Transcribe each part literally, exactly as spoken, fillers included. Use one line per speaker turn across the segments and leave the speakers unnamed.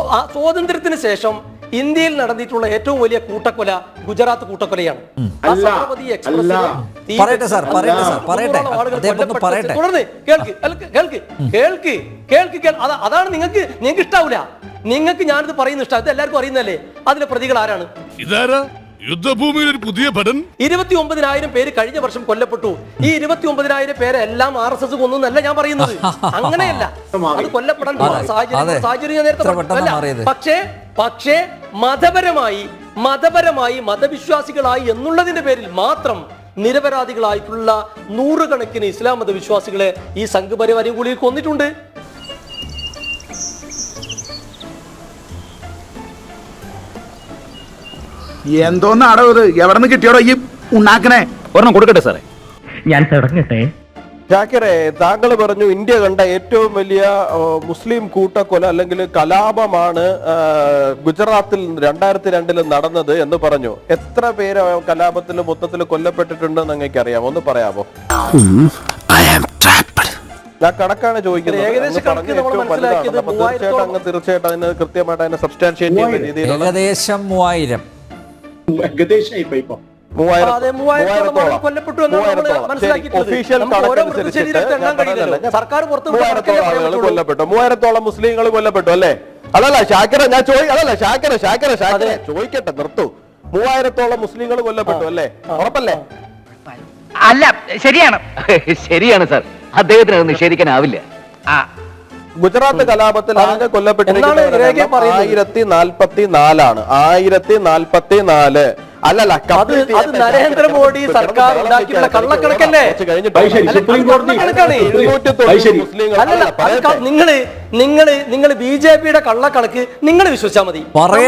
സ്വാതന്ത്ര്യത്തിന് ശേഷം ഇന്ത്യയിൽ നടന്നിട്ടുള്ള ഏറ്റവും വലിയ കൂട്ടക്കൊല ഗുജറാത്ത് കൂട്ടക്കൊലയാണ്. തുടർന്ന് കേൾക്ക് കേൾക്ക് കേൾക്ക് കേൾക്ക് അതാണ് നിങ്ങൾക്ക് നിങ്ങൾക്ക് ഇഷ്ടാവൂല. നിങ്ങൾക്ക് ഞാനിത് പറയുന്ന ഇഷ്ടം, ഇത് എല്ലാവർക്കും അറിയുന്നല്ലേ. അതിലെ പ്രതികൾ ആരാണ്?
യുദ്ധഭൂമിയിൽ ഒരു പുതിയ പഠൻ.
ഇരുപത്തി ഒമ്പതിനായിരം പേര് കഴിഞ്ഞ വർഷം കൊല്ലപ്പെട്ടു. ഈ ഇരുപത്തി ഒമ്പതിനായിരം പേരെ എല്ലാം ആർ എസ് എസ് കൊന്നല്ല ഞാൻ പറയുന്നത്. അങ്ങനെയല്ല, അത് കൊല്ലപ്പെടാൻ സാഹചര്യം സാഹചര്യം നേരത്തെ. പക്ഷേ പക്ഷേ മതപരമായി മതപരമായി മതവിശ്വാസികളായി എന്നുള്ളതിന്റെ പേരിൽ മാത്രം നിരപരാധികളായിട്ടുള്ള നൂറുകണക്കിന് ഇസ്ലാം മതവിശ്വാസികളെ ഈ സംഘപരിവാരം കൂടി കൊന്നിട്ടുണ്ട്.
എന്തോന്നാടോ ഇത്? എവിടെ നിന്ന് കിട്ടിയോടോ ഈ ഉണ്ടാക്കണേ?
ഒരെണ്ണം കൊടുക്കട്ടെ സാറേ,
ഞാൻ തുടങ്ങട്ടെ.
ഷാക്കിറെ, താങ്കൾ പറഞ്ഞു ഇന്ത്യ കണ്ട ഏറ്റവും വലിയ മുസ്ലിം കൂട്ടക്കൊല അല്ലെങ്കിൽ കലാപമാണ് ഗുജറാത്തിൽ രണ്ടായിരത്തി രണ്ടില് നടന്നത് എന്ന് പറഞ്ഞു. എത്ര പേര് കലാപത്തിൽ മൊത്തത്തിൽ കൊല്ലപ്പെട്ടിട്ടുണ്ടെന്ന് നിങ്ങൾക്ക് അറിയാമോ? ഒന്ന് പറയാമോ? ഞാൻ കണക്കാണ് ചോദിക്കുന്നത്. തീർച്ചയായിട്ടും അങ്ങ് തീർച്ചയായിട്ടും അതിന് കൃത്യമായിട്ട് അതിനെ സബ്സ്റ്റാൻഷിയേറ്റ് ചെയ്യുന്ന രീതിയിൽ
ഏകദേശം മൂവായിരം
കൊല്ലപ്പെട്ടു. മൂവായിരത്തോളം മുസ്ലിങ്ങൾ കൊല്ലപ്പെട്ടു അല്ലേ? അതല്ല ഷാക്കിറ, ഞാൻ അതല്ല ഷാക്കിറ ഷാക്കിറ ഷാക്കിറ ചോദിക്കട്ടെ, നിർത്തൂ. മൂവായിരത്തോളം മുസ്ലിങ്ങൾ കൊല്ലപ്പെട്ടു അല്ലേ? ഉറപ്പല്ലേ?
അല്ല, ശരിയാണ്
ശരിയാണ് സാർ, അദ്ദേഹത്തിന് അത് നിഷേധിക്കാനാവില്ല.
ഗുജറാത്ത് കലാപത്തിൽ ആകെ കൊല്ലപ്പെട്ടിരിക്കുന്നത് ആയിരത്തി നാൽപ്പത്തി നാലാണ്. ആയിരത്തി നാൽപ്പത്തി നാല് അല്ലല്ല,
അത് നരേന്ദ്രമോദി സർക്കാർ ഉണ്ടാക്കിയുള്ള കള്ളക്കണക്കല്ലേ? നിങ്ങള് നിങ്ങള് നിങ്ങൾ ബി ജെ പിയുടെ കള്ളക്കണക്ക് നിങ്ങൾ വിശ്വസിച്ചാൽ മതി.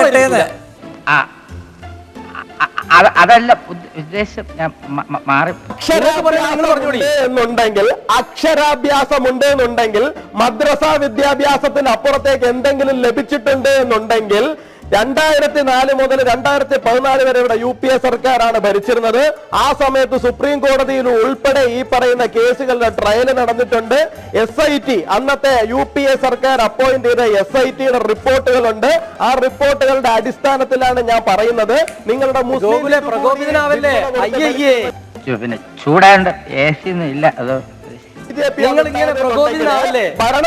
അതല്ല ഉദ്ദേശം, മാറി
എന്നുണ്ടെങ്കിൽ അക്ഷരാഭ്യാസമുണ്ട് എന്നുണ്ടെങ്കിൽ മദ്രസ വിദ്യാഭ്യാസത്തിന് അപ്പുറത്തേക്ക് എന്തെങ്കിലും ലഭിച്ചിട്ടുണ്ട് എന്നുണ്ടെങ്കിൽ രണ്ടായിരത്തി നാല് മുതൽ രണ്ടായിരത്തി പതിനാല് വരെ ഇവിടെ യു പി എ സർക്കാരാണ് ഭരിച്ചിരുന്നത്. ആ സമയത്ത് സുപ്രീം കോടതിയിൽ ഉൾപ്പെടെ ഈ പറയുന്ന കേസുകളുടെ ട്രയൽ നടന്നിട്ടുണ്ട്. എസ് ഐ ടി അന്നത്തെ യു പി എ സർക്കാർ അപ്പോയിന്റ് ചെയ്ത എസ് ഐ ടിയുടെ റിപ്പോർട്ടുകളുണ്ട്. ആ റിപ്പോർട്ടുകളുടെ അടിസ്ഥാനത്തിലാണ് ഞാൻ പറയുന്നത്. നിങ്ങളുടെ
പ്രകോപിതനാവല്ലേ?
പിന്നെ ചൂടാണ്ട് എ സി ഒന്നും ഇല്ല, അതോ
നിങ്ങൾ ഇങ്ങനെ പ്രകോപിതനാവല്ലേ?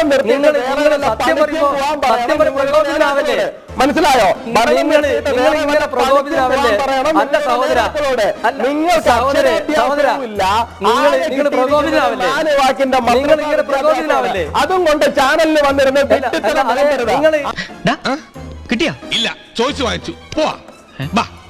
മനസ്സിലായോ?
നിങ്ങൾ ഇങ്ങനെ പ്രകോപിതനാവല്ലേ? അല്ല സഹോദര, നിങ്ങൾ സഹോദര സഹോദര നിങ്ങൾ നിങ്ങൾ പ്രകോപിതനാവല്ലേ? നിങ്ങൾ ഇങ്ങനെ പ്രകോപിതനാവല്ലേ?
അതും കൊണ്ട് ചാനലിൽ വന്നിരുന്ന
നിങ്ങൾ
കിട്ടിയാ ഇല്ല, ചോദിച്ചു വാങ്ങിച്ചു പോവാ.